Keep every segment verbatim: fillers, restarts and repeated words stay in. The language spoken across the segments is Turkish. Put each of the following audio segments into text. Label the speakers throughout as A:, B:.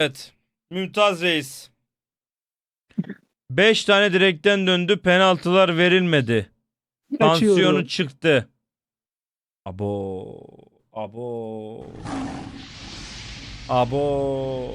A: Evet. Mümtaz Reis. beş tane direkten döndü. Penaltılar verilmedi. Tansiyonu
B: Kaçıyorum.
A: çıktı. Abo. Abo. Abo.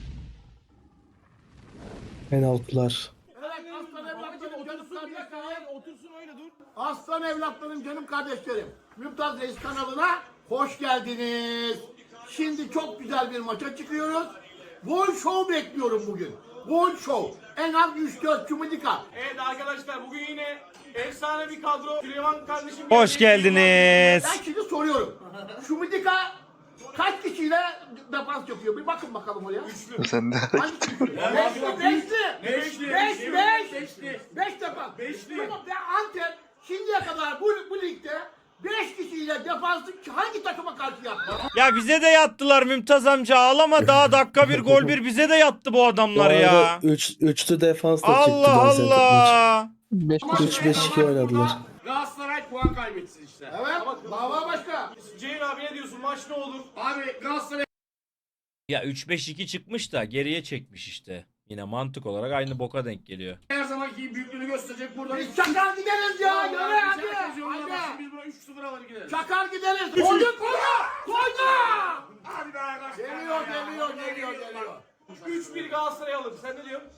B: Penaltılar.
C: Evet, aslan evlatlarım, canım kardeşlerim. Otursun öyle dur. Aslan evlatlarım, canım kardeşlerim. Mümtaz Reis kanalına hoş geldiniz. Şimdi çok güzel bir maça çıkıyoruz. Gol show bekliyorum bugün. Gol show. En az üç dört Cumhurika.
D: Evet arkadaşlar bugün yine efsane bir kadro. Süleyman kardeşim
A: Hoş
D: geldi.
A: geldiniz.
C: Ben şimdi soruyorum. Cumhurika kaç kişiyle defans yapıyor? Bir bakın bakalım oraya.
E: Sen de
C: Hangi üçlü? Beşli, beşli.
D: Beşli.
C: Beş, beş.
D: Beşli.
C: Beş defans.
D: Beşli.
C: Tamam, ve Antep şimdiye kadar bu, bu ligde beş kişiyle defansı hangi takıma karşı yaptı?
A: Ya bize de yattılar Mümtaz amca. Ağlama, daha dakika bir gol bir bize de yattı bu adamlar ya.
B: Üç, üçlü defans da çıktı.
A: Allah
B: Gaziantep
A: Allah.
B: maçı. üç beş iki oynadılar.
D: Galatasaray puan kaybetsin işte.
C: Evet, dava başka.
D: Ceyhun abi ne diyorsun? Maç ne olur?
F: Abi Galatasaray
A: Ya üç beş iki çıkmış da geriye çekmiş işte. Yine mantık olarak aynı boka denk geliyor.
F: her zamanki büyüklüğünü gösterecek burada.
C: Biz çakar gideriz ya, yürü hadi.
F: Hadi.
C: Hadi.
F: Biz buna üç sıfır alır gideriz.
C: Çakar gideriz. Koydu, koydu, koydu.
F: Hadi be arkadaşlar.
C: Geliyor, geliyor, geliyor, geliyor.
D: üç bir Galatasaray alır. Sen ne diyorsun?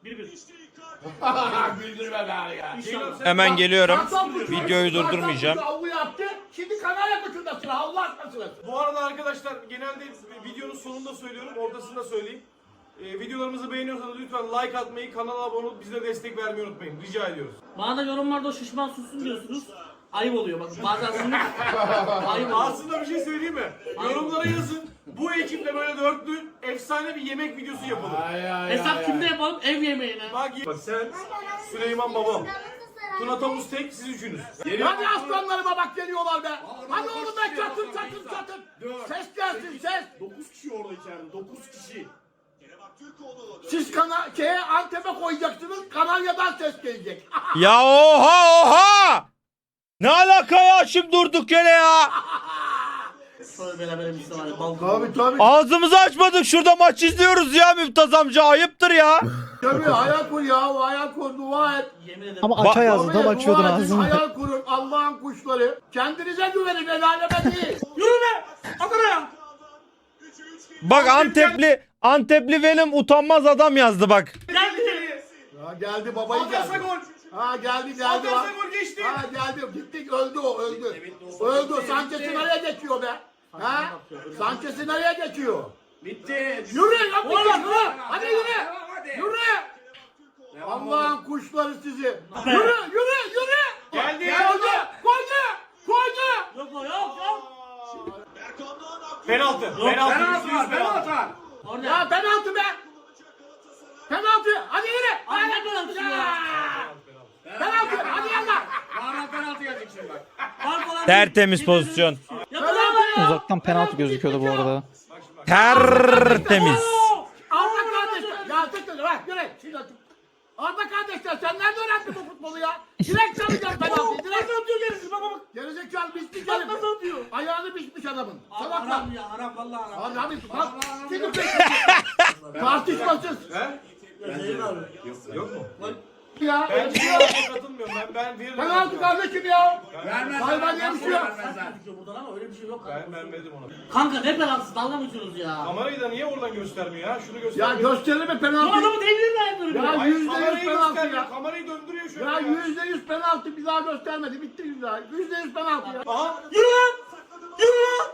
F: Bildirme be abi ya.
D: Ceyhun abi sen
A: Hemen geliyorum.
C: Kartal Burcu-
A: Videoyu
C: Kartal
A: durdurmayacağım.
C: Burcu avlu yaptı. Şimdi Kanarya Koçu'nda sıra. Allah aşkına sırası.
D: Bu arada arkadaşlar genelde videonun sonunda söylüyorum, ortasında söyleyeyim. Ee, videolarımızı beğeniyorsanız lütfen like atmayı, kanala abone olup bize destek vermeyi unutmayın. Rica ediyoruz.
G: Bana da yorumlarda o şişman sussun diyorsunuz. Ayıp oluyor bakın bazen sinir. Ayıp oluyor.
D: Aslında bir şey söyleyeyim mi? Yorumlara yazın. Bu ekiple böyle dörtlü efsane bir yemek videosu yapalım.
G: Hesap kimde yapalım? Ev yemeğine.
D: Bak, bak sen, Süleyman babam, Tuna Tavus tek, siz üçünüz.
C: Hadi aslanlarıma bak geliyorlar be. Hadi oğlum be, çatır çatır çatır. Ses gelsin ses.
F: dokuz kişi orada içeride. dokuz kişi.
C: Siz kana şeye Antep'e koyacaksınız. Kanarya'dan ses gelecek.
A: Ya oha oha! Ne alaka ya, şimdi durduk yere ya.
G: Şöyle beraber bir var ya balkon.
C: Tabii tabii
A: Ağzımızı açmadık, şurada maç izliyoruz ya Mümtaz amca, ayıptır ya.
C: tabii, hayal kur ya, hayal kur, dua et.
G: Yemin ederim.
B: Ama aç ağzı
C: Tabii,
B: tam açıyordun
C: dua edin,
B: ağzını.
C: hayal kurun, Allah'ın kuşları. Kendinize güvenin, el aleme değil.
G: Yürü be! Adana'ya!
A: Bak Antepli Antepli benim utanmaz adam yazdı bak.
G: Geldi!
C: Ya geldi babayı
D: Atarsa
C: geldi.
D: gol.
C: Ha geldi geldi.
D: Atarsa
C: bak.
D: gol geçti.
C: Ha geldi, gittik, öldü o, öldü. Öldü, Sanchez'i nereye geçiyor be? Ha? Sanchez'i nereye geçiyor?
F: Bitti.
C: Yürü lan bir kez, yürü. Hadi yürü.
F: Hadi.
C: Yürü. Allah'ın kuşları sizi. Yürü, yürü, yürü.
D: Geldi.
C: Koydu, koydu, koydu.
G: Yok o yok yok.
D: Penaltı. Penaltı.
F: Penaltı
D: yüzde yüz
F: var. Penaltı var.
G: Orada.
C: Ya penaltı be. Penaltı. Hadi yürü.
G: Ay, ne penaltısı ya?
C: Penaltı. Hadi yallah.
F: Bağıran penaltı gelecek şimdi bak.
G: Var falan.
A: Tertemiz pozisyon.
G: Yapın ama ya.
B: Uzaktan penaltı gözüküyordu bu arada.
A: Tertemiz.
C: Arda kardeşler. Ya tıkla bak yürü. Şimdi atın. Arda kardeşler, sen nerede öğrendin bu futbolu ya? Direkt çalacağım penaltıyı. Direkt atıyor gerisi. Bak bak. Gerizekalı biçmiş herif.
G: Nasıl atıyor?
C: Ayağını biçmiş adamın. Salaklar.
G: Haram ya haram vallahi haram.
C: Abi abi bak. Şimdi tartışmasız.
D: He?
G: Ceyhun abi.
D: Yok mu?
C: Ya.
D: Ben hiç katılmıyorum. Ben ben veririm.
C: Penaltı kardeşim ya.
F: Vermez.
C: Hayvan diye bir şey yok.
F: Vermezler.
G: Buradan ama öyle bir şey yok.
D: Ben ben verdim ona.
G: Kanka ne penaltısı dalga mı geçiyorsunuz ya?
D: Kamerayı da niye oradan göstermiyor ya? Şunu
C: Ya
D: göstermiyor.
C: gösterir mi
G: Bu
C: penaltı?
G: adamı devriyle yapıyorum
C: Ya
G: ya.
D: Hayır,
C: yüzde yüz
D: kamerayı
C: penaltı
D: göstermiyor.
C: ya.
D: Kamerayı döndürüyor şöyle.
C: Ya yüzde yüz penaltı bir daha göstermedi. Bitti güzel. Yüzde yüz penaltı ya.
D: Aha.
G: Yürü lan! Yürü lan!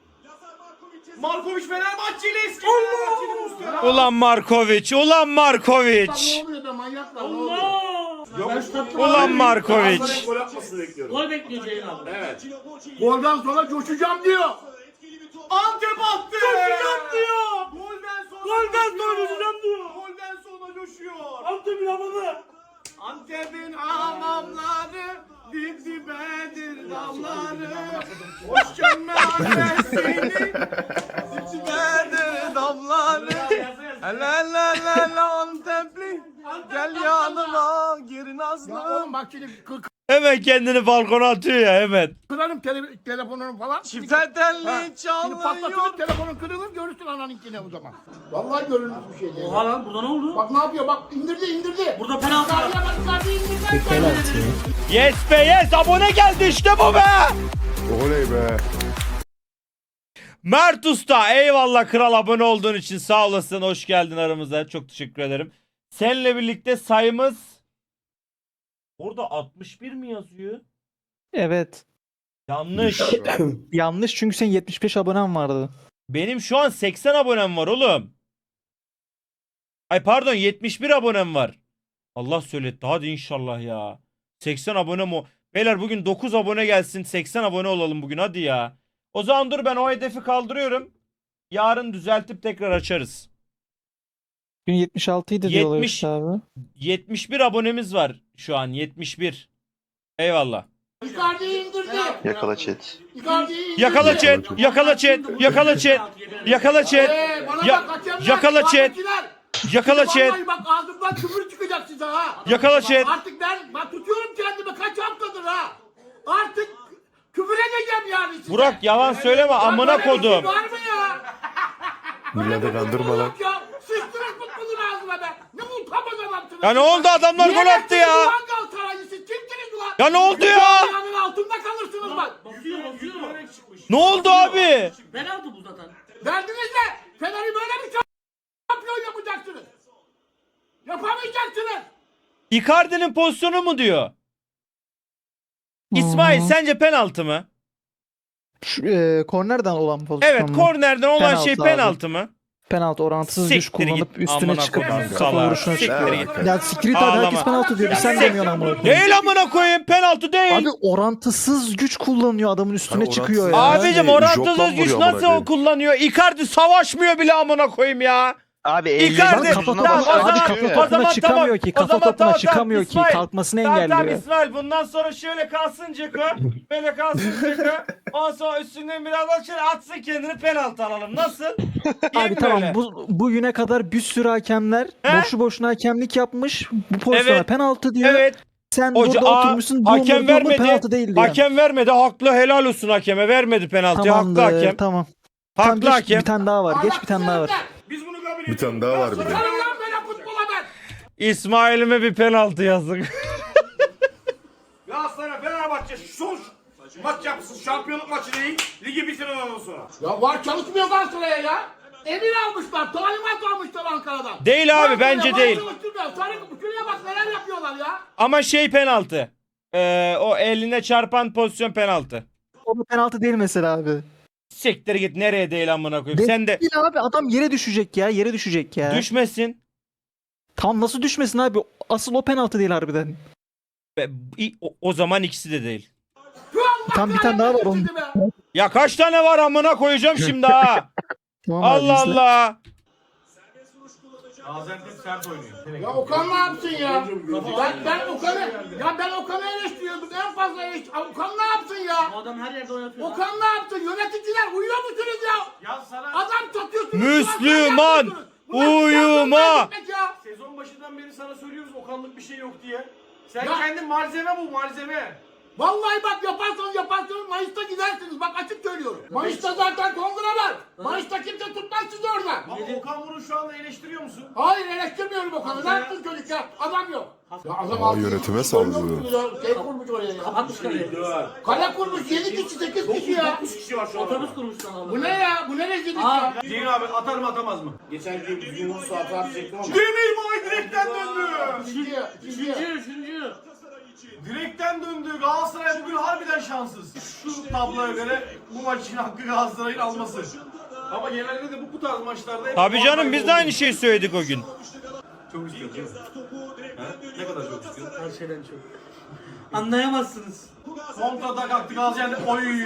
D: Markovic Fenerbahçeli eski Fenerbahçeli Mustafa.
A: Ulan Markovic, ulan Markovic.
C: Ne oluyor be manyaklar, ne oluyor?
G: Allah!
A: Ulan Markovic.
F: Gol atmasını bekliyorum.
G: Gol bekliyor Ceyhun abi.
F: Evet.
C: Golden sonra coşacağım diyor.
D: Antep attı.
G: Coşacağım diyor.
D: Golden sonra
G: Golden sonra
D: coşuyor.
G: coşacağım diyor.
D: Golden sonra coşuyor.
G: Antep'in havalı.
D: Antep'in hamamları dip dibedir damları. Hoş gelme annesini dip dibedir damları. La la la la Antepli gel yanıma gir
C: Ya
D: nazlım.
C: oğlum bak şimdi kırk
A: Hemen kendini balkona atıyor ya hemen.
C: Kırarım tele telefonunu falan.
D: Çiftel
C: Ha,
D: telli
C: Şimdi patlatırım telefonun kırılır görürsün ananinkine o zaman. Vallahi görülmüş bir şey değil.
G: Oha lan burada ne oldu?
C: Bak ne yapıyor bak indirdi indirdi.
G: Burada penaltı var.
C: Icardi'ye bak Icardi indirdi.
B: Bir penaltı ya.
A: Yes be yes, abone geldi işte bu be.
E: Oley be.
A: Mert Usta, eyvallah kral, abone olduğun için sağ olasın, hoş geldin aramıza, çok teşekkür ederim. Seninle birlikte sayımız orada altmış bir mi yazıyor?
B: Evet.
A: Yanlış.
B: Yanlış çünkü senin yetmiş beş abonen vardı.
A: Benim şu an seksen abonem var oğlum. Ay pardon, yetmiş bir abonem var. Allah söyletti, hadi inşallah ya. seksen abonem o. Beyler bugün dokuz abone gelsin, seksen abone olalım bugün, hadi ya. O zaman dur, ben o hedefi kaldırıyorum. Yarın düzeltip tekrar açarız.
B: Gün yetmiş altı idi diyorlar
A: yetmiş
B: işte abi.
A: yetmiş bir abonemiz var şu an, yetmiş bir. Eyvallah.
C: Icardi'yi indirdi.
E: Yakala chat.
C: Icardi'yi indirdi.
A: Yakala chat, yakala chat, yakala chat, yakala chat,
C: Ee, bana
A: Ya-
C: bak hakemler,
A: yakala chat,
C: ahmetçiler.
A: yakala chat,
C: Vallahi bak ağzımdan küfür çıkacak size ha.
A: yakala chat.
C: Artık ben, ben tutuyorum kendimi kaç haftadır ha. Artık küfür edeceğim yani size.
A: Burak yalan söyleme,
C: Ya
A: amına
C: böyle bir şey
A: kodum.
C: var mı ya?
E: Millete kandırma lan.
C: Ya sıçtınız futbolun ağzına be. Ne utanmaz adamsınız.
A: Ya ne oldu, adamlar gol attı ya.
C: Ulan Galatasaraylı siz kimsiniz ulan?
A: Ya ne oldu ya?
C: Dünyanın altında kalırsınız bak.
G: Basıyor basıyor.
A: Ne oldu abi?
G: Penaltı bu zaten.
C: Derdiniz ne? Fener'i böyle bir şampiyon yapacaksınız. Yapamayacaksınız.
A: Icardi'nin pozisyonu mu diyor? İsmail
B: Hmm.
A: sence penaltı mı?
B: Şu, e, kornerden olan pozisyon
A: Evet,
B: mu?
A: kornerden olan
B: Penaltı
A: şey
B: abi.
A: penaltı mı?
B: Penaltı, orantısız güç
A: Siktir git,
B: kullanıp üstüne
A: amına
B: çıkıp
A: koyayım,
B: kafa
A: salağa.
B: vuruşuna
A: Siktir
B: çıkıyor.
A: git.
B: Ya siktir abi,
A: Ağlama.
B: herkes penaltı diyor.
A: Ya
B: Sen
A: siktir.
B: demiyorsun amına koyayım.
A: Değil amına koyayım, penaltı değil.
B: Abi orantısız güç kullanıyor, adamın üstüne
E: Ha,
B: çıkıyor ya.
E: orantısız-
A: Abicim
E: Yani
A: orantısız
E: joptan
A: güç
E: vuruyor amına
A: nasıl
E: koyayım.
A: kullanıyor? Icardi savaşmıyor bile amına koyayım ya.
H: Abi
A: Icardi
H: elli
B: kafa
A: tamam,
B: topuna,
A: o zaman-
B: abi kafa
A: o
B: topuna
A: zaman
B: çıkamıyor
A: tamam,
B: ki.
A: o
B: Kafa
A: zaman
B: topuna
A: tamam,
B: çıkamıyor ki.
A: İsmail.
B: Kalkmasını
A: Tamam tamam
B: engelliyor.
A: İsmail, bundan sonra şöyle kalsın Ceko. Böyle kalsın Ceko. Ondan sonra üstünden biraz da şöyle atsın kendini, penaltı alalım. Nasıl? İyi
B: Abi
A: mi
B: tamam,
A: böyle?
B: bu bugüne kadar bir sürü hakemler
A: He?
B: boşu boşuna hakemlik yapmış. Bu pozisyona
A: Evet.
B: penaltı diyor.
A: Evet.
B: Sen
A: Hoca,
B: burada
A: aa,
B: oturmuşsun. Bu
A: hakem
B: umurunda mı?
A: vermedi.
B: Penaltı değil diyor.
A: Hakem vermedi. Haklı, helal olsun hakeme. Vermedi penaltıyı. Haklı
B: Tamamdır,
A: hakem.
B: tamam. Tamam,
A: Haklı
B: geç,
A: hakem.
B: bir tane daha var. Geç bir tane daha var.
D: Biz bunu kabul
E: Bir tane daha var bir de.
C: Sarın lan böyle futbola ben.
A: İsmail'ime bir penaltı yazdık.
F: Galatasaray Fenerbahçe son maç yapsın. Şampiyonluk maçı değil. Ligi bitirin ondan sonra.
C: Ya var çalışmıyor Galatasaray'a ya. Emir almışlar, talimat almışlar Ankara'dan.
A: Değil abi,
C: Var
A: bence
C: var
A: değil.
C: çalıştırmıyor. Sarı şuraya bak neler yapıyorlar ya.
A: Ama şey penaltı. Ee, o eline çarpan pozisyon penaltı.
B: O da penaltı değil mesela abi.
A: Siktir git, nereye değil amına koyayım.
B: Değil
A: Sen de
B: abi, adam yere düşecek ya. Yere düşecek ya.
A: düşmesin.
B: Tam nasıl düşmesin abi? Asıl o penaltı değil harbiden.
A: Be- i- O, o zaman ikisi de değil.
C: Şu Allah
B: Tam bir tane daha var,
C: kahretsin
B: onu-
C: be.
A: Ya kaç tane var amına koyacağım şimdi ha.
B: Tamam abi,
A: Allah
B: izle.
A: Allah.
D: Gaziantep sert oynuyor.
C: Ya Okan ne yapsın ya? Ben, ben Okan'ı, ya ben Okan'ı eleştiriyordum. En fazla eleştiriyordum. Okan ne yapsın ya?
G: Bu adam her yerde oynatıyor. lan.
C: Okan ne yaptı? Yöneticiler uyuyor musunuz ya?
D: Ya sana
C: Adam satıyorsunuz.
A: Müslüman,
C: transfer yapıyorsunuz. Bunlar
A: uyuma.
C: transfer gitmek ya.
D: sezon başından beri sana söylüyoruz Okanlık bir şey yok diye. Sen
C: Ya-
D: kendi malzeme bu malzeme.
C: Vallahi bak yaparsanız yaparsanız Mayıs'ta gidersiniz. Bak açık söylüyorum. Mayıs'ta zaten kongre var. Mayıs'ta kimse tutmaz sizi orada.
D: Ama Okan bunu şu anda eleştiriyor musun?
C: Hayır eleştirmiyorum Okan'ı. Ne yaptın çocuk ya? Adam yok. Ya adam
E: Aa,
C: altı
E: yönetime
C: kişi
E: saldırıyor.
C: koyuyor musunuz ya? Şey kurmuş oraya ya.
G: Kapatmış kaleyi.
C: Kale kurmuş yedi kişi sekiz kişi ya.
F: dokuz kişi var şu an.
G: Otobüs kurmuş lan adam.
C: Bu ne ya? Bu ne rezillik
G: Aa.
C: ya?
D: Ceyhun abi atar mı atamaz mı?
F: Geçen gün düzgün vursa hata atacaktım ama.
D: Demir Bay direkten döndü.
C: İkinci, ikinci.
G: Üçüncü, üçüncü.
D: Direkten döndü. Galatasaray bugün harbiden şanssız. Şu tabloya göre bu maçın hakkı Galatasaray'ın alması. Ama genelde de bu, bu tarz maçlarda hep
A: Tabii canım,
D: Galatasaray
A: biz de
D: oldu.
A: aynı şeyi söyledik o gün.
D: Çok istiyorsun değil mi? Ha? Ne kadar çok istiyorsun?
G: Her şeyden çok. Anlayamazsınız.
D: Kontrada kalktı Gaziantep. Oy!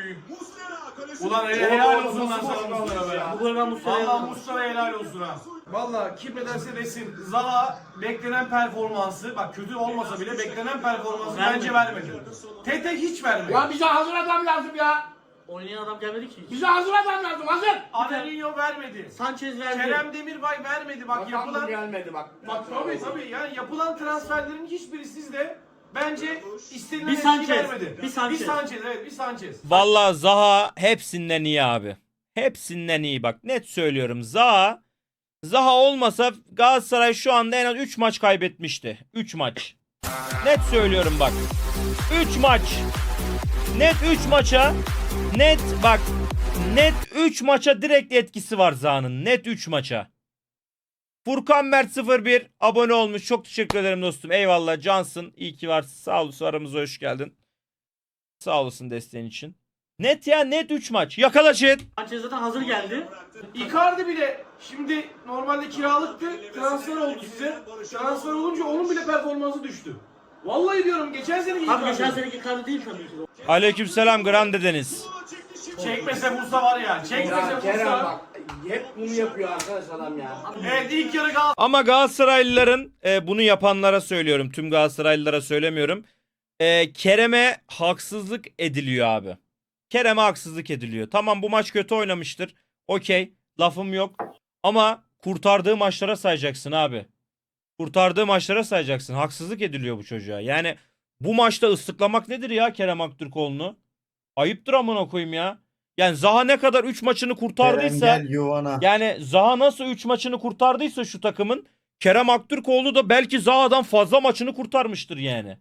D: Ulan helal, helal olsun lan sana Muslera be.
G: Bu gol ben Muslera'ya
D: Valla
G: yazdım.
D: Muslera helal olsun ha. Valla kim ne derse desin Zaha beklenen performansı, bak kötü olmasa bile beklenen performansı
G: Vermedi.
D: bence vermedi. Tete hiç vermedi.
C: Ya bize hazır adam lazım ya.
G: Oynayan adam gelmedi ki.
C: Bize hazır adam lazım. Hazır.
D: Adelinho vermedi.
G: Sanchez verdi.
D: Kerem Demirbay vermedi. Bak
F: Bakan
D: yapılan
F: gelmedi bak.
D: Bak tabii tabii yani yapılan transferlerin hiçbiri sizde bence istenilen
G: Bir
D: etki
G: Sanchez,
D: vermedi.
G: bir Sanchez.
D: Bir Sanchez, evet bir Sanchez.
A: Vallahi Zaha hepsinden iyi abi. Hepsinden iyi bak. Net söylüyorum. Zaha Zaha olmasa Galatasaray şu anda en az üç maç kaybetmişti. üç maç. Net söylüyorum bak. üç maç. Net üç maça. Net bak. Net üç maça direkt etkisi var Zaha'nın. Net üç maça. Furkan Mert sıfır bir abone olmuş. Çok teşekkür ederim dostum. Eyvallah cansın. İyi ki varsın. Sağ olasın. Aramıza hoş geldin. Sağ olasın desteğin için. Net ya net üç maç. Yakala chat.
G: Sanchez zaten hazır geldi.
D: Icardi bile şimdi normalde kiralıktı, transfer oldu size. Transfer olunca onun bile performansı düştü. Vallahi diyorum geçen sene iyi
G: Abi geçen seneki Icardi değil tabii ki.
A: Aleykümselam Grande Deniz.
D: Çekmese vursa var ya. Çekmese vursa.
C: Hep bunu yapıyor arkadaş adam ya.
D: Evet ilk yarı Galatasaray.
A: Ama Galatasaraylıların e, bunu yapanlara söylüyorum. Tüm Galatasaraylılara söylemiyorum. E, Kerem'e haksızlık ediliyor abi. Kerem'e haksızlık ediliyor. Tamam bu maç kötü oynamıştır. Okey. Lafım yok. Ama kurtardığı maçlara sayacaksın abi. Kurtardığı maçlara sayacaksın. Haksızlık ediliyor bu çocuğa. Yani bu maçta ıslıklamak nedir ya Kerem Aktürkoğlu'nu? Ayıptır amına koyayım ya. Yani Zaha ne kadar üç maçını kurtardıysa yani Zaha nasıl üç maçını kurtardıysa şu takımın Kerem Aktürkoğlu da belki Zaha'dan fazla maçını kurtarmıştır yani.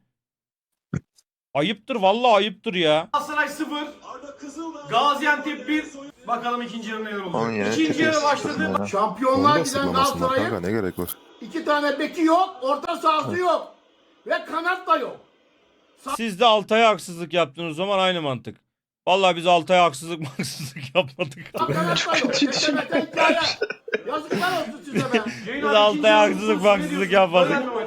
A: Ayıptır vallahi ayıptır ya.
D: Galatasaray sıfır. Gaziantep bir. Bakalım ikinci yarı neler
E: Onun
D: olacak.
E: yerine
D: İkinci
E: tepeye
D: yarı
E: sıkmasın
D: başladı.
E: bana. Onu
C: Şampiyonlar
E: da
C: giden
E: sıklamasınlar kanka,
C: Galatasaray'ın
E: ne gerek var?
C: iki tane beki yok, orta sahası yok. Ve kanat da yok.
A: Siz de Altay'a haksızlık yaptınız o zaman aynı mantık. Vallahi biz Altay'a haksızlık haksızlık yapmadık.
C: Kanat da yok. Geçemete hikaye. Yazıklar olsun size be.
D: Ceylan
A: Biz Altay'a
D: ikinci yarı
A: haksızlık
D: konusunda ne
A: haksızlık
D: diyorsun?
A: yapmadık.
D: Önemli maç.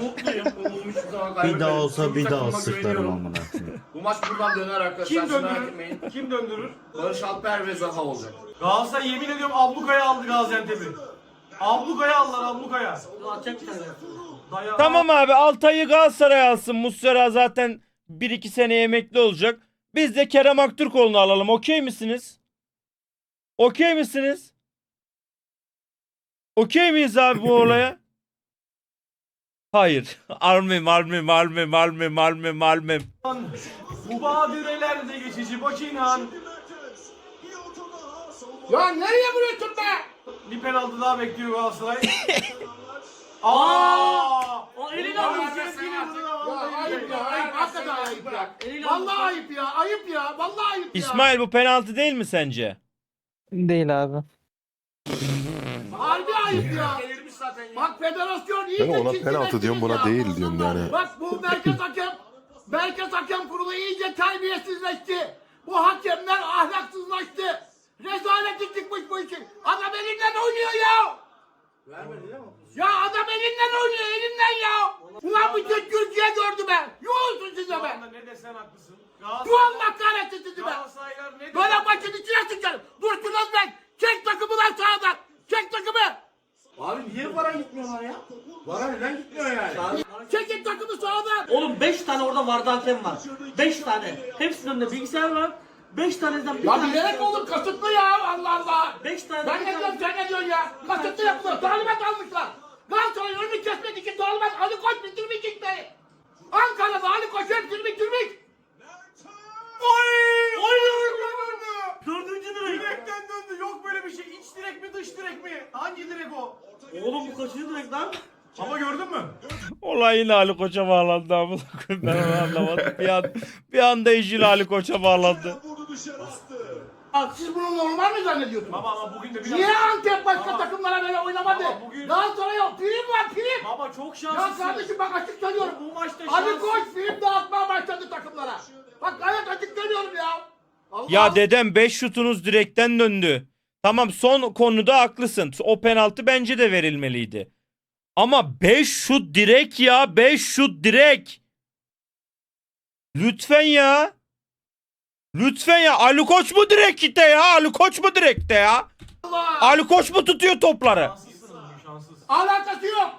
H: Bir daha olsa bir daha
C: Takıma
H: sıklarım
C: güveniyorum.
H: amına.
C: Bu maç buradan döner arkadaşlar.
D: Kim
C: siz merak
D: döndürür?
C: etmeyin.
D: Kim döndürür?
C: Barış Alper ve Zaha olacak.
D: Galatasaray yemin ediyorum ablukaya aldı Gaziantep'i. Ablukaya aldılar ablukaya.
G: Atacak bir tane.
D: Daya-
A: Tamam abi Altay'ı Galatasaray alsın. Muslera zaten bir iki sene emekli olacak. Biz de Kerem Aktürkoğlu'nu alalım. Okey misiniz? Okey misiniz? Okey miyiz abi bu olaya? Hayır. Almem, almem, almem, almem, almem, almem.
D: Bu badirelerde geçici Bakinan.
C: Ya nereye vuruyorsun be?
D: Bir penaltı daha bekliyor Galatasaray. Aa!
G: O elini
D: Ya,
G: aldı.
D: ses geliyor burada.
C: Ya
D: Vallahi
C: ayıp ya,
D: billahi.
C: ayıp. Hakikaten ayıp ya.
G: Eliyle aldı.
C: Vallahi ayıp ya, ayıp ya. Vallahi ayıp ya.
A: İsmail bu penaltı değil mi sence?
B: Değil abi.
C: Harbi ayıp ya. Bak federasyon iyice
E: Ben ona
C: çizgileşti
E: penaltı diyorum, buna
C: ya.
E: değil diyorum yani.
C: Bak bu merkez hakem, merkez hakem kurulu iyice terbiyesizleşti. Bu hakemler ahlaksızlaştı. Rezaleti çıkmış bu işin. Adam elinden oynuyor ya. Ya adam elinden oynuyor, elinden ya. Ulan bu Türk Türkiye gördü be. Yoğulsun size
D: Şu
C: be.
D: anda ne desen haklısın.
C: Bu
D: Galatasaray,
C: Allah kahretsin sizi be.
D: Galatasaraylar ne
C: Böyle
D: desen.
C: maçın içine sıçarım. Dursunuz ben. Çek takımı lan sağdan. Çek takımı.
F: Abi niye para gitmiyorlar ya? Para neden gitmiyor yani?
C: Çekin takımı sağdan.
G: Oğlum beş tane orada vardı hakem var. beş tane. Hepsinin önünde bilgisayar var. beş tanesinden bir
C: Ya
G: tanesi.
C: bilerek olur kasıtlı ya Allah Allah.
G: beş tane.
C: Ben ne diyorum sen ne diyorsun ya? Kasıtlı yapılıyor. Talimat almışlar. Galatasaray önünü kesmek için talimat Ali Koç bitirmiş işte. Ankara'da Ali Koç hepsini bitirmiş.
D: Oy! Oy!
G: Dördüncü direk.
D: Direkten döndü. Yok böyle bir şey. İç direk mi dış direk mi? Hangi direk o?
G: Oğlum bu kaçıncı direk lan?
D: Ama gördün mü?
A: Olay yine Ali Koç'a bağlandı amına koyayım. Ben onu anlamadım. Bir, an, bir anda iş yine Ali Koç'a bağlandı.
C: Bak siz bunu normal mi zannediyorsunuz?
D: Baba ama bugün de biraz...
C: Niye Antep başka
D: Baba.
C: takımlara böyle oynamadı?
D: Baba, bugün-
C: Galatasaray yok. Prim var prim.
D: Baba çok
C: Ya
D: şanslısın.
C: kardeşim bak açık söylüyorum.
D: Bu maçta
C: Ali
D: şans-
C: Koç prim dağıtmaya başladı takımlara. Bak gayet açık söylüyorum ya. Allah.
A: Ya dedem beş şutunuz direkten döndü. Tamam son konuda haklısın. O penaltı bence de verilmeliydi. Ama beş şut direk ya. beş şut direk. Lütfen ya. Lütfen ya. Ali Koç mu direkte ya? Ali Koç mu direkte ya?
C: Allah.
A: Ali Koç mu tutuyor topları?
D: Şanslısınız bugün şanslısın.
C: Alakası yok.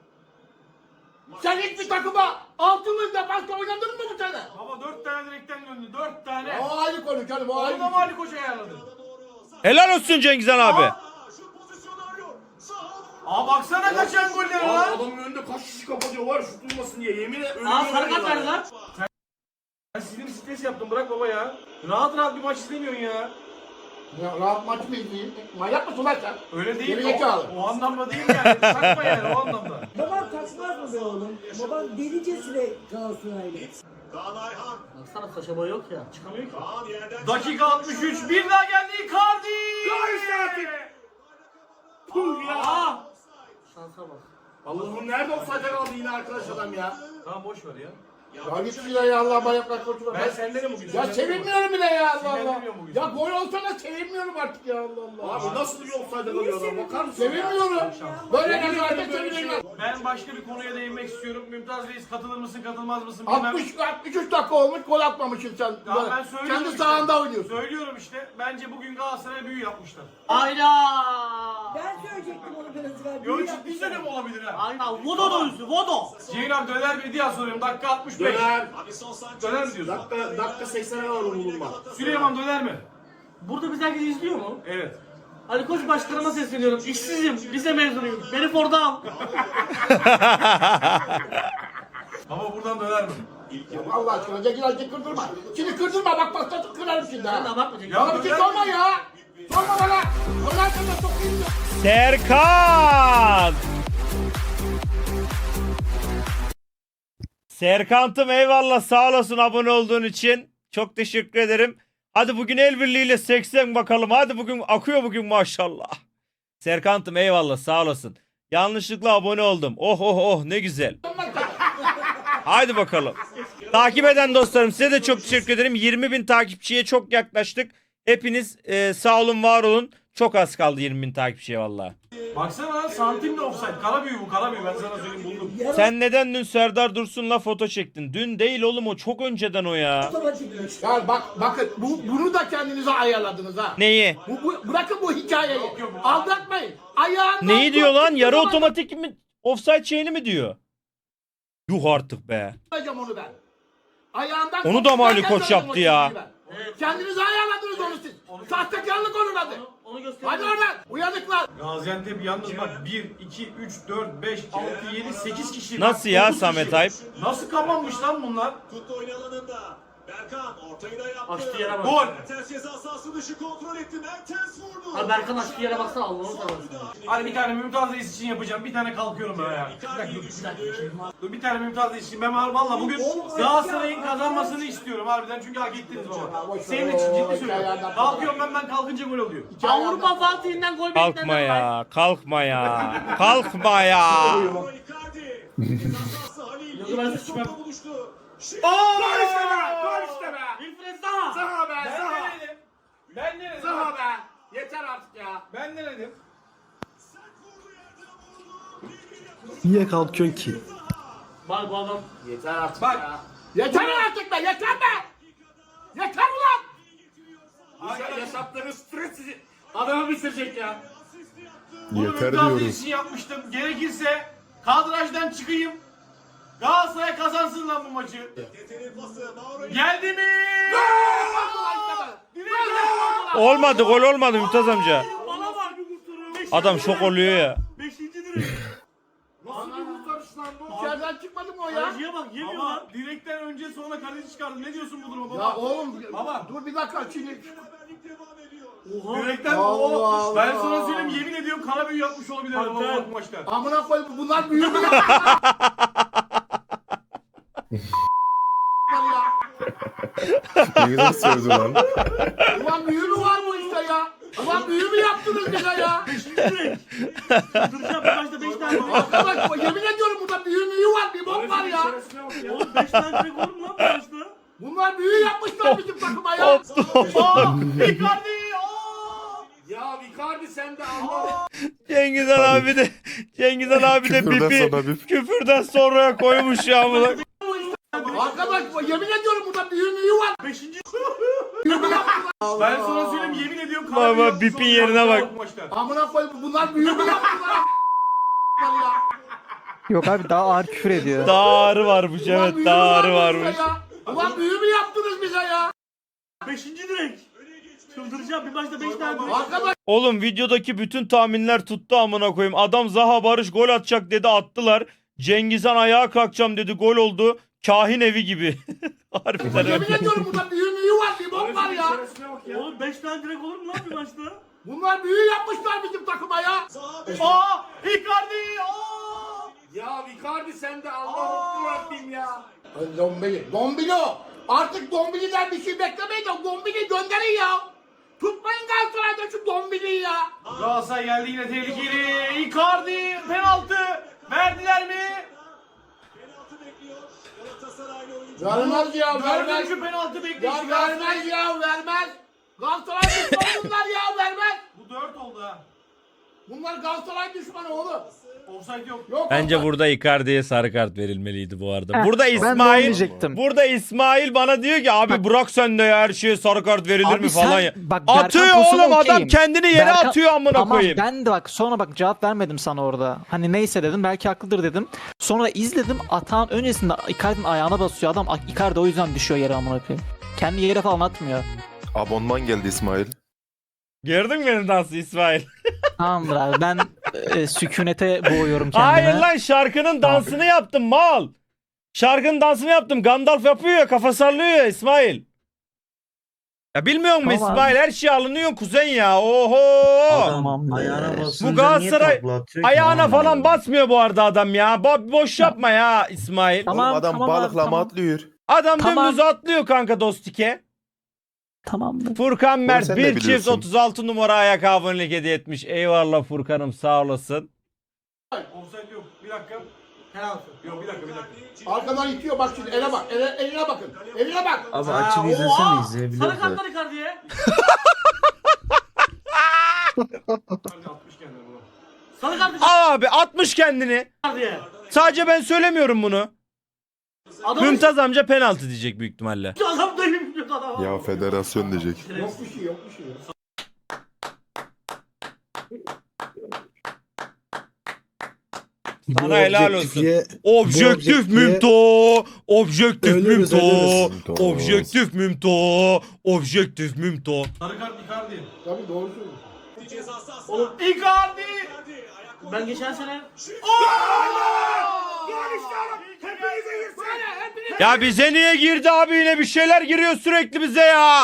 C: Sen hiçbir takıma altı yılda başka oynadın mı bu sene?
D: Baba dört tane direkten döndü. Dört tane.
C: O ayrı konu canım o ayrı.
D: Onu da mı Ali Koç ayarladı?
A: Helal olsun Cengizhan abi.
D: Aa baksana kaçan gollere
F: Lan
D: lan.
F: adamın önünde kaç kişi kapatıyor var şut durmasın diye yemin ederim.
G: Aa sarı kart verdi lan.
D: Ben sinir stres yaptım bırak baba ya. Rahat rahat bir maç izlemiyorsun ya.
C: Ya, rahat maç mı izleyeyim? Manyak mısın lan sen?
D: Öyle değil.
C: Geri
D: O,
C: zekalı.
D: o anlamda değil yani. Takma yani o anlamda.
I: Baban kaçmaz mı be oğlum? Baban delicesine Galatasaraylı.
G: Baksana saça boy yok ya. Çıkamıyor ki.
D: Dakika altmış üç. Bir daha geldi Icardi.
F: Ya işte artık. Puh ya.
D: Aa.
G: Şansa bak.
F: Allah'ım nerede offside'e kaldı yine arkadaş adam ya.
D: Tamam boş ver ya.
C: Ya git şuraya ya Allah manyaklar koşma.
D: Ben senden bugün.
C: Ya sevinmiyorum bile ya Allah Allah.
D: Sinirlenmiyorum bugün.
C: Ya gol olsa da sevinmiyorum artık ya Allah Allah.
F: Abi nasıl bir offside'e kalıyor adam bakar mısın?
C: Sevinmiyorum. Böyle nezarete sevinilmez.
D: Ben başka bir konuya değinmek istiyorum. Mümtaz Reis katılır mısın katılmaz mısın bilmem.
C: altmış altmış üç dakika olmuş gol atmamışsın sen.
D: Ya ben söylüyorum
C: Kendi
D: işte.
C: sahanda oynuyorsun.
D: Söylüyorum işte. Bence bugün Galatasaray'a büyü yapmışlar.
G: Hayda.
I: Ben söyleyecektim onu biraz evvel.
D: Yo
I: Büyü
D: ciddi
I: yapmışlar.
D: söylüyorum olabilir ha.
G: Hayda. Vodo da üstü. Vodo.
D: Ceyhun abi döner mi diye soruyorum. Dakika altmış beş.
F: Döner.
D: Döner mi diyorsun?
F: Dakika, dakika seksene alalım bulunma.
D: Süleyman döner mi?
G: Burada biz herkes izliyor mu?
D: Evet.
G: Ali Koç başkanıma sesleniyorum. İşsizim. Lise mezunuyum. Beni Ford'a al.
D: Baba buradan döner mi?
C: Ya Allah aşkına Cegil Hacı kırdırma. Şimdi kırdırma bak bak bak kırarım şimdi
G: Sen de
C: ha.
G: abartma Cengiz.
D: Ya
C: Bana bir şey sorma ya. Sorma bana. Allah aşkına sokayım ya.
A: Serkan! Serkant'ım eyvallah sağ olasın abone olduğun için. Çok teşekkür ederim. Hadi bugün el birliğiyle seksen bakalım. Hadi bugün akıyor bugün maşallah. Serkant'ım eyvallah sağ olasın. Yanlışlıkla abone oldum. Oh oh oh ne güzel. Haydi bakalım. Takip eden dostlarım size de çok teşekkür ederim. yirmi bin takipçiye çok yaklaştık. Hepiniz e, sağ olun var olun. Çok az kaldı yirmi bin takipçiye vallahi.
D: Baksana lan santimle offside. Kara büyü bu kara büyü ben sana söyleyeyim buldum.
A: Sen neden dün Serdar Dursun'la foto çektin? Dün değil oğlum o çok önceden o ya.
I: Otomatikmiş.
C: Ya bak bakın bu, bunu da kendinize ayarladınız ha.
A: Neyi?
C: Bu, bu, bırakın bu hikayeyi. Aldatmayın. Ayağından
A: Neyi diyor lan?
C: tuttuğum
A: Yarı
C: zaman
A: otomatik mi? Offside şeyini mi diyor? Yuh artık be.
C: yapacağım onu ben. Ayağından
A: Onu da mı Ali Koç
C: tuttuğum
A: yaptı ya?
C: ben. Kendinize ayarladınız onu siz. Sahtekarlık onun adı.
G: Onu göster.
C: Hadi oradan. Uyanıklar.
D: Gaziantep yalnız bak bir, iki, üç, dört, beş, altı, yedi, sekiz kişi.
A: Nasıl
D: Bak,
A: ya
D: dokuz
A: Samet
D: kişi.
A: Ayıp?
D: Nasıl kapanmış lan bunlar?
H: Tuttu oyun alanında. Berkan ortayı da yaptı.
G: Açtığı yere bak.
D: Gol.
H: Mertens ceza sahası dışı kontrol etti. Mertens vurdu.
G: Ha Berkan açtığı yere baksana Allah'ını seversen.
D: Hadi bir tane Mümtaz Reis için yapacağım. Bir tane kalkıyorum ben ya. Bir dakika, dur, bir dakika. Dur bir tane Mümtaz Reis için. Ben valla bugün Galatasaray'ın kazanmasını istiyorum harbiden. Çünkü hak ettiniz baba. Senin için ciddi söylüyorum. Kalkıyorum ben ben kalkınca gol oluyor.
G: Avrupa Fatih'inden gol beklenenler
A: Kalkma
G: var.
A: ya. Kalkma ya. Kalkma ya.
H: Icardi. Ceza sahası Halil.
G: Yok, ben sıçmam.
H: Topla buluştu. Şimdi
F: Gol işte be! Gol işte be!
G: Wilfred Zaha.
F: Zaha be!
D: Ben
F: Zaha!
D: ne dedim? Ben ne dedim?
F: Zaha be! Yeter artık ya!
D: Ben ne dedim?
B: Niye kalkıyorsun ki?
G: Bak bu adam.
F: Yeter artık
D: Bak.
F: ya!
C: Yeter artık be. Yeter be. Yeter ulan.
F: Bu yaşattığınız stres sizi adamı bitirecek ya!
D: Bunu
E: Yeter
D: Mümtaz Reis
E: diyoruz.
D: için yapmıştım. Gerekirse kadrajdan çıkayım. Galatasaray kazansın lan bu maçı.
H: Yeteneğin pası. Mauro
D: Geldi mi?
A: Olmadı gol olmadı Mümtaz amca.
G: Bana bak.
A: Adam şok oluyor ya.
G: Beşinci direk.
C: Nasıl bir kurtarış lan bu? İçeriden çıkmadı mı o ya?
G: Kaleciye bak yemiyor lan.
D: Ama direkten önce sonra kaleci çıkardı. Ne diyorsun bu duruma baba?
C: Ya oğlum
D: Baba.
C: dur bir dakika şimdi.
H: beraberlik devam ediyor.
G: Oha.
D: Direkten
C: Allah
D: o.
C: Allah.
D: Ben sana söyleyeyim yemin ediyorum kara büyü yapmış olabilir
G: Hadi
D: baba
G: be.
D: bu maçta.
C: Amına koy bunlar büyük mü ya?
E: Ne güzel sövdü lan.
C: Ulan büyü mü var bu işte ya? Ulan büyü mü yaptınız bize ya?
G: Duracağım bu maçta beş tane gol.
C: Arkadaş yemin ediyorum burada büyü müyü var bir bok var ya.
G: Oğlum beş tane direk olur mu lan bu maçta?
C: Bunlar büyü yapmışlar bizim takıma ya.
D: Aa! Icardi! Aa!
F: Ya Icardi sen de Allah!
A: Cengiz Han abi de Cengiz Han abi de
E: Küfürden
A: bipi
E: sonra bip.
A: küfürden sonraya koymuş ya bunu.
C: Arkadaş yemin ediyorum burada büyü müyü var.
D: Beşinci.
C: Büyü mü yaptılar?
D: Ben sana söyleyeyim yemin ediyorum kara
A: Baba,
D: büyü yapmış
A: bipin
D: olabilir
A: yerine bak.
D: bu maçta.
C: Amına koy bunlar büyü mü yaptılar? ya.
B: Yok abi daha ağır küfür ediyor.
A: Daha ağrı varmış
C: Ulan
A: evet
C: büyü
A: daha
C: mü
A: ağrı
C: var bu
A: varmış.
C: işte ya? Ulan büyü mü yaptınız bize ya?
G: Beşinci direk. Çıldıracağım bir maçta beş tane.
C: Arkadaş
A: Oğlum videodaki bütün tahminler tuttu amına koyayım. Adam Zaha Barış gol atacak dedi, attılar. Cengizhan ayağa kalkacağım dedi, gol oldu. Kahin evi gibi. Harbiden
C: yemin
A: öyle.
C: ediyorum burada büyü müyü var, limon var ya.
G: Oğlum beş tane direkt olur mu lan bir maçta?
C: Bunlar büyü yapmışlar bizim takıma ya.
D: Aa! Icardi! Aa!
F: Ya Icardi sen de Allah'ım Rabbim ya.
C: Dombili. Dombili o. Artık Dombili'den bir şey beklemeyin de Dombili gönderin ya. Tutmayın Galatasaray'da şu Dombili'yi ya.
D: Galatasaray geldi yine tehlikeli. Icardi penaltı. Verdiler mi?
H: Penaltı bekliyor. Galatasaraylı oyuncu.
C: Vermez ya, vermez.
D: Dördüncü penaltı bekliyor.
C: Ya vermez ya, vermez. Galatasaray düşmanı bunlar ya, vermez.
D: Bu dört oldu ha.
C: Bunlar Galatasaray düşmanı oğlum.
D: Offside yok.
C: Yok
A: Bence
C: offside.
A: burada Icardi'ye sarı kart verilmeliydi bu arada.
B: Heh,
A: Burada
B: ben de onu
A: İsmail
B: diyecektim.
A: burada İsmail bana diyor ki abi bırak sen de ya, her şeye sarı kart verilir
B: Abi
A: mi
B: sen-
A: falan ya.
B: bak Berkan
A: Atıyor
B: pozisyonu
A: oğlum adam
B: okeyim.
A: kendini yere
B: Berkan-
A: atıyor amına
B: Tamam
A: koyayım.
B: ben de bak sonra bak cevap vermedim sana orada. Hani neyse dedim belki haklıdır dedim. Sonra izledim atağın öncesinde Icardi'nin ayağına basıyor adam. Icardi o yüzden düşüyor yere amına koyayım. Kendi yere falan atmıyor.
E: Abonman geldi İsmail.
A: Gördün mü benim dansı İsmail?
B: Tamamdır abi ben e, sükunete boğuyorum kendimi.
A: Hayır lan şarkının dansını yaptım mal. Şarkının dansını yaptım. Gandalf yapıyor ya, kafa sallıyor ya İsmail. Ya bilmiyor musun
B: Tamam.
A: İsmail, her şey alınıyor kuzen ya. Oho.
B: Tamam.
J: Ayağına
B: Ee,
J: basınca
A: Bu Galatasaray
J: niye takla atıyor ki?
A: ayağına
J: Anlamadım.
A: falan basmıyor bu arada adam ya. Bo- boş yapma ya İsmail.
B: Tamam,
E: Oğlum adam
B: tamam abi,
E: balıklama
B: tamam.
E: atlıyor.
A: Adam
B: Tamam.
A: dümdüz atlıyor kanka dostike.
B: Tamamdır.
A: Furkan Mert
E: sen de
A: bir çift
E: biliyorsun.
A: otuz altı numara ayak abonelik hediye etmiş. Eyvallah Furkan'ım, sağ olasın.
D: Offside yok. Bir dakika. Penaltı. Yok bir dakika bir dakika.
C: Arkadan itiyor bak şimdi, ele bak, ele, eline bakın. Eline bak.
J: Abi
D: Ha,
J: açıp
D: oha!
J: izlesene
G: Sarı
J: izleyebiliyoruz da.
G: kartlar Icardi'ye.
D: Icardi atmış kendini bunu.
G: Sarı kart
A: Abi atmış kendini.
G: Icardi'ye.
A: Sadece ben söylemiyorum bunu.
G: Adam
A: Mümtaz amca penaltı diyecek büyük ihtimalle.
G: adam da bilmiyor adam.
E: Ya federasyon diyecek.
C: Yok bir şey, yok bir şey.
A: Sana helal olsun.
J: objektifiye-
A: Objektif
J: objektifiye-
A: mümto. Objektif
J: Ölürüz,
A: mümto.
E: ölürüz.
A: Objektif mümto. Objektif mümto.
D: Sarı kart Icardi.
C: Tabii doğru söylüyorsun.
H: Ceza sahası.
D: Oğlum Icardi!
G: Ben geçen sene
A: Ya bize niye girdi abi, yine bir şeyler giriyor sürekli bize ya.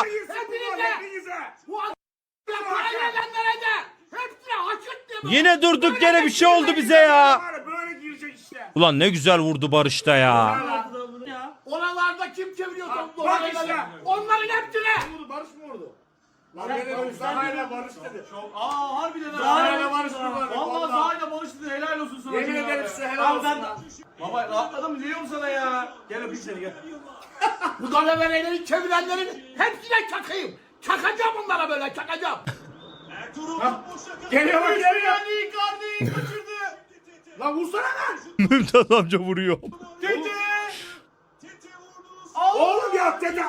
C: Ya parayla göndereceğim. Hepsine haçırt diye.
A: Yine durduk yere bir şey oldu bize ya.
F: Böyle girecek işte.
A: Ulan ne güzel vurdu Barış'ta ya.
G: ya.
C: Oralarda kim çeviriyor toplu?
F: bak
C: Oraları-
F: işte.
C: Onların hepsine.
F: Vurdu, Barış mı vurdu? Lan ne dedim? Zaha'yla Barış dedi.
D: Çok aa harbiden ha.
F: Zaha'yla Barış dedi.
D: Vallahi Zaha'yla Barış dedi. Helal olsun sana.
F: Yemin
D: ya.
F: ederim size helal
D: Abi ben-
F: olsun lan.
D: Baba rahatladım biliyor musun sana ya? Gel öpeyim seni gel.
C: Bu dalavereleri çevirenlerin hepsine çakayım. Çakacağım onlara böyle, çakacağım.
H: Ertuğrul boşa kaldı.
F: Geliyor bak geliyor.
D: Icardi Icardi kaçırdı.
F: Lan vursana lan.
A: Mümtaz amca vuruyor.
D: Tete.
H: Tete vurdu.
F: Oğlum ya dede.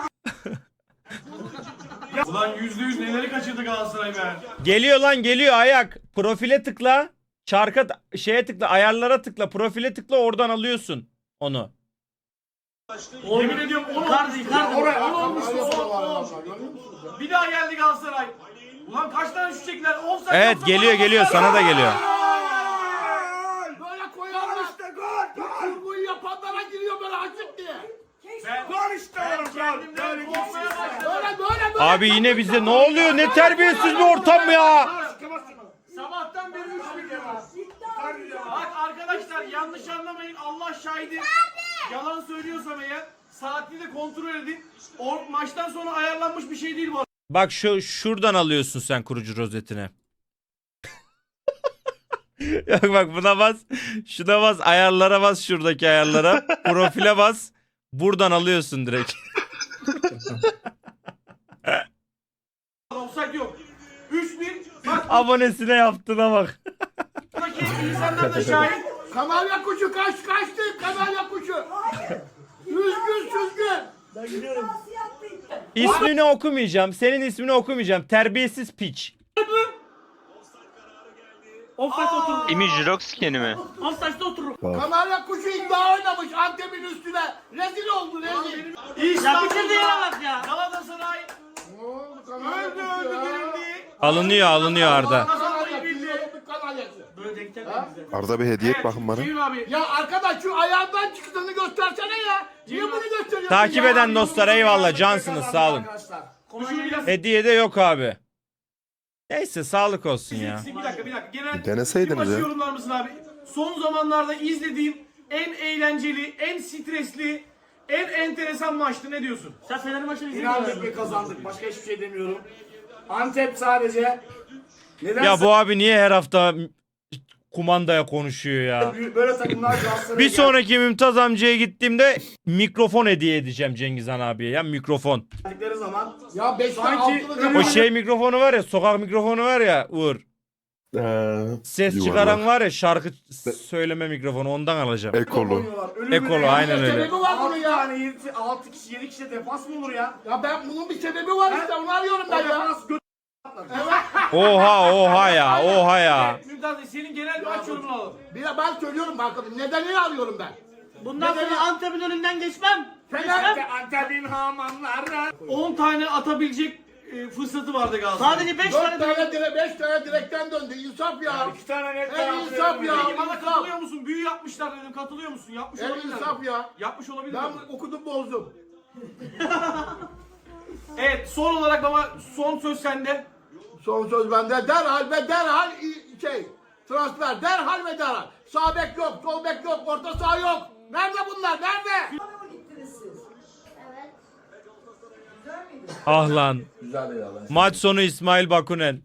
D: Ulan yüzde yüz neleri kaçırdı Galatasaray be.
A: Geliyor lan, geliyor ayak. Profile tıkla. Çarka şeye tıkla, ayarlara tıkla, profile tıkla, oradan alıyorsun onu.
D: Yemin ediyorum onu
G: Icardi Icardi.
F: Oraya
D: onu olmuştu.
C: Öyle
D: o,
C: yapıyorlar
D: o.
C: adamlar, görüyor musunuz ya?
D: Bir daha geldi Galatasaray. Ulan kaç tane şut çektiler? Offside
A: Evet
D: yoksa
A: geliyor
D: bana
A: geliyor,
D: bak.
A: sana da geliyor.
C: Böyle koyarlar.
F: İşte gol. Gol.
C: Kurguyu yapanlara giriyor böyle haçırt diye.
D: Ben,
F: Gol işte
D: ben
F: oğlum gol.
D: kendimden
F: Böyle
D: korkmaya
F: gitsin.
D: başladım.
C: Böyle böyle böyle.
A: Abi yine bize ne oluyor? Ne terbiyesiz bir ortam ya.
D: Sabahtan beri üç bir ya. Bak arkadaşlar yanlış anlamayın. Allah şahidi. Yalan söylüyorsam eğer saatini de kontrol edin. O maçtan sonra ayarlanmış bir şey değil bu.
A: Bak şu şuradan alıyorsun sen kurucu rozetine. Yok bak buna bas. Şuna bas, ayarlara bas, şuradaki ayarlara. Profile bas. Buradan alıyorsun direkt.
D: Offside yok. üç bir. Bak
A: Abonesine yaptığına bak.
D: buradaki insanlar da şahit.
C: Kanarya kuşu kaç kaçtı, kanarya kuşu. Süzgün süzgün.
I: Ben gidiyorum.
A: İsmini okumayacağım. Senin ismini okumayacağım. Terbiyesiz piç.
G: Offside oturur.
K: İmi Jirox skeni mi?
G: Offside'da oturur.
C: Kanarya kuşu iddia oynamış Antep'in üstüne. Rezil oldu rezil.
G: Ya bitirdi yere bak ya.
D: Galatasaray
C: Ne oldu
D: Öldü öldü dirildi.
A: Alınıyor alınıyor Arda.
D: Kazanmayı bildi.
G: Böyle denk gelmedi bize.
E: Arda bir hediye et bakın bana.
D: Ceyhun abi.
C: Ya arkadaş şu ayağından çıktığını göstersene ya. Niye bunu gösteriyorsun
A: Takip
C: ya?
A: eden dostlar eyvallah cansınız sağ olun.
D: Konuşur biraz.
A: Hediye de yok abi. Neyse sağlık olsun ya.
D: Bir dakika bir dakika. Genel
E: Bir deneseydiniz
D: bir maçı
E: ya.
D: yorumlar mısın abi? Son zamanlarda izlediğim en eğlenceli, en stresli, en enteresan maçtı. Ne diyorsun?
G: Sen Fener maçını
F: İnandık
G: izledin mi?
F: ve kazandık. Başka hiçbir şey demiyorum. Antep sadece nedense
A: Ya bu abi niye her hafta kumandaya konuşuyor ya?
F: böyle takımlar Galatasaray'a
A: Bir sonraki Mümtaz amcaya gittiğimde mikrofon hediye edeceğim Cengizhan abiye ya mikrofon.
F: geldikleri zaman
C: Ya beşte
F: Sanki
C: altılı
A: O şey mikrofonu var ya sokak mikrofonu var ya Uğur.
E: Ee,
A: Ses
E: yuvarlak.
A: çıkaran var ya şarkı söyleme mikrofonu ondan alacağım.
E: Ekolu.
F: oynuyorlar. Ölümüne
A: Ekolu,
F: yani.
A: aynen öyle.
C: Sebebi var bunun
F: altı
C: ya.
F: tane yedi, altı kişi yedi kişi de defans mı olur ya?
C: Ya ben bunun bir sebebi var işte onu arıyorum
F: O
C: ben ya.
F: defans gö-
A: Oha oha ya oha ya.
D: Mümtaz Bey, senin genel bir maç yorumunu alalım.
C: Bir de ben söylüyorum bakalım nedenini arıyorum ben.
G: Bundan
C: Neden
G: sonra
C: ya?
G: Antep'in önünden geçmem.
C: Fener
F: Antep'in hamanları.
D: on tane atabilecek e, fırsatı vardı Galatasaray.
G: Sadece beş
C: dört
G: tane
C: tane dire beş tane direkten döndü. İnsaf ya.
F: İki tane net
C: En
F: penaltı
C: insaf
F: verildi.
C: ya.
D: Peki bana
C: insaf.
D: katılıyor musun? Büyü yapmışlar dedim. Katılıyor musun? Yapmış
C: En
D: olabilirler.
C: insaf ya.
D: Yapmış olabilirler.
C: Ben okudum bozdum.
D: Evet son olarak baba son söz sende.
C: Son söz bende. Derhal ve derhal i- şey transfer. Derhal ve derhal. Sağ bek yok, sol bek yok, orta saha yok. Nerede bunlar? Nerede?
A: Ah lan. Maç sonu İsmail Bakunen.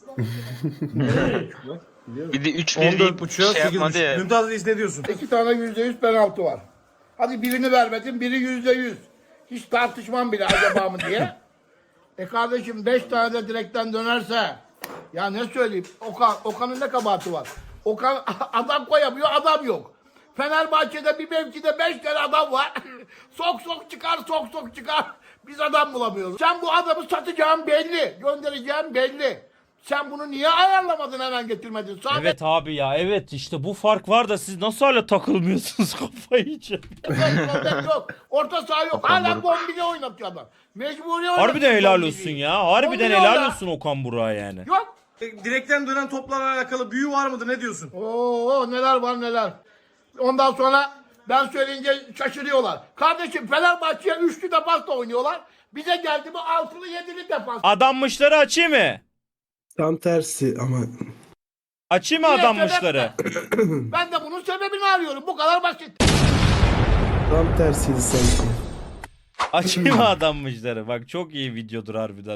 J: Bir de üç bir deyip şey yapmadı ya.
D: Mümtaz Reis ne diyorsun?
C: İki tane yüzde yüz penaltı var. Hadi birini vermedin, biri yüzde yüz. Hiç tartışmam bile acaba mı diye. E kardeşim beş tane de direkten dönerse ya ne söyleyeyim? Okan, Okan'ın ne kabahati var? Okan adam koyamıyor, adam yok. Fenerbahçe'de bir mevkide beş tane adam var. sok sok çıkar, sok sok çıkar. Biz adam bulamıyoruz. Sen bu adamı satacağın belli, göndereceğin belli. Sen bunu niye ayarlamadın hemen getirmedin? Sadece
A: Evet abi ya evet işte bu fark var da siz nasıl hala takılmıyorsunuz kafayı yiyeceğim.
C: Forvet yok. Orta saha yok. Hala bombili oynatıyor adam. Mecburi oynatıyor.
A: Harbiden helal
C: bombili.
A: olsun ya. Harbiden
C: Bombili
A: helal
C: orada.
A: olsun Okan Burak'a yani.
C: Yok.
D: E, Direkten dönen toplarla alakalı büyü var mıdır? Ne diyorsun?
C: Oo neler var neler. Ondan sonra ben söyleyince şaşırıyorlar. Kardeşim Fenerbahçe'ye üçlü defansla oynuyorlar. Bize geldi mi altılı yedili defans.
A: Adammışları açayım mı?
K: Tam tersi ama
A: Açayım mı
C: Niye
A: adammışları?
C: Ben de bunun sebebini arıyorum. Bu kadar basit.
K: tam tersiydi sanki.
A: Açayım mı adammışları? Bak çok iyi videodur harbiden.